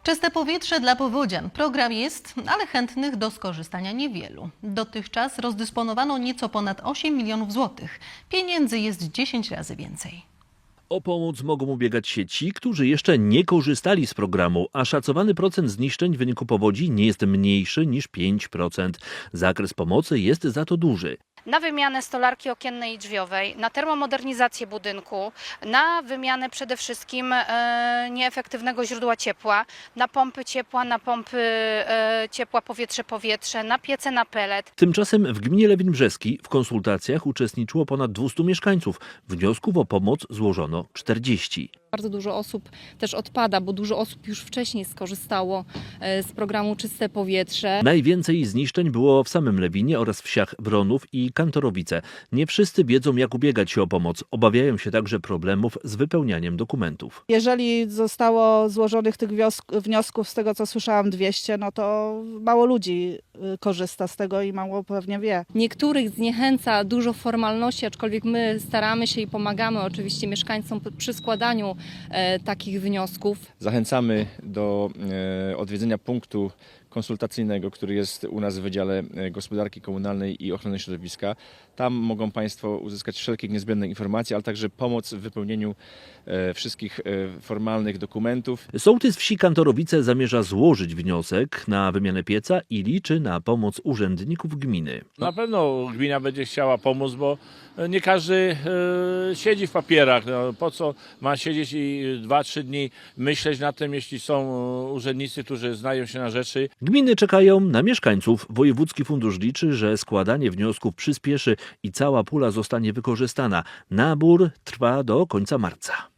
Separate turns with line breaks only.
Czyste powietrze dla powodzian. Program jest, ale chętnych do skorzystania niewielu. Dotychczas rozdysponowano nieco ponad 8 milionów złotych. Pieniędzy jest 10 razy więcej.
O pomoc mogą ubiegać się ci, którzy jeszcze nie korzystali z programu, a szacowany procent zniszczeń w wyniku powodzi nie jest mniejszy niż 5%. Zakres pomocy jest za to duży.
Na wymianę stolarki okiennej i drzwiowej, na termomodernizację budynku, na wymianę przede wszystkim nieefektywnego źródła ciepła, na pompy ciepła, na pompy ciepła powietrze-powietrze, na piece na pelet.
Tymczasem w gminie Lewin Brzeski w konsultacjach uczestniczyło ponad 200 mieszkańców. Wniosków o pomoc złożono 40.
Bardzo dużo osób też odpada, bo dużo osób już wcześniej skorzystało z programu Czyste Powietrze.
Najwięcej zniszczeń było w samym Lewinie oraz wsiach Wronów i Kantorowice. Nie wszyscy wiedzą, jak ubiegać się o pomoc. Obawiają się także problemów z wypełnianiem dokumentów.
Jeżeli zostało złożonych tych wniosków, z tego co słyszałam, 200, no to mało ludzi korzysta z tego i mało pewnie wie.
Niektórych zniechęca dużo formalności, aczkolwiek my staramy się i pomagamy oczywiście mieszkańcom przy składaniu takich wniosków.
Zachęcamy do odwiedzenia punktu konsultacyjnego, który jest u nas w Wydziale Gospodarki Komunalnej i Ochrony Środowiska. Tam mogą Państwo uzyskać wszelkie niezbędne informacje, ale także pomoc w wypełnieniu wszystkich formalnych dokumentów.
Sołtys wsi Kantorowice zamierza złożyć wniosek na wymianę pieca i liczy na pomoc urzędników gminy.
Na pewno gmina będzie chciała pomóc, bo nie każdy siedzi w papierach. No, po co ma siedzieć i 2-3 dni myśleć nad tym, jeśli są urzędnicy, którzy znają się na rzeczy.
Gminy czekają na mieszkańców. Wojewódzki Fundusz liczy, że składanie wniosków przyspieszy i cała pula zostanie wykorzystana. Nabór trwa do końca marca.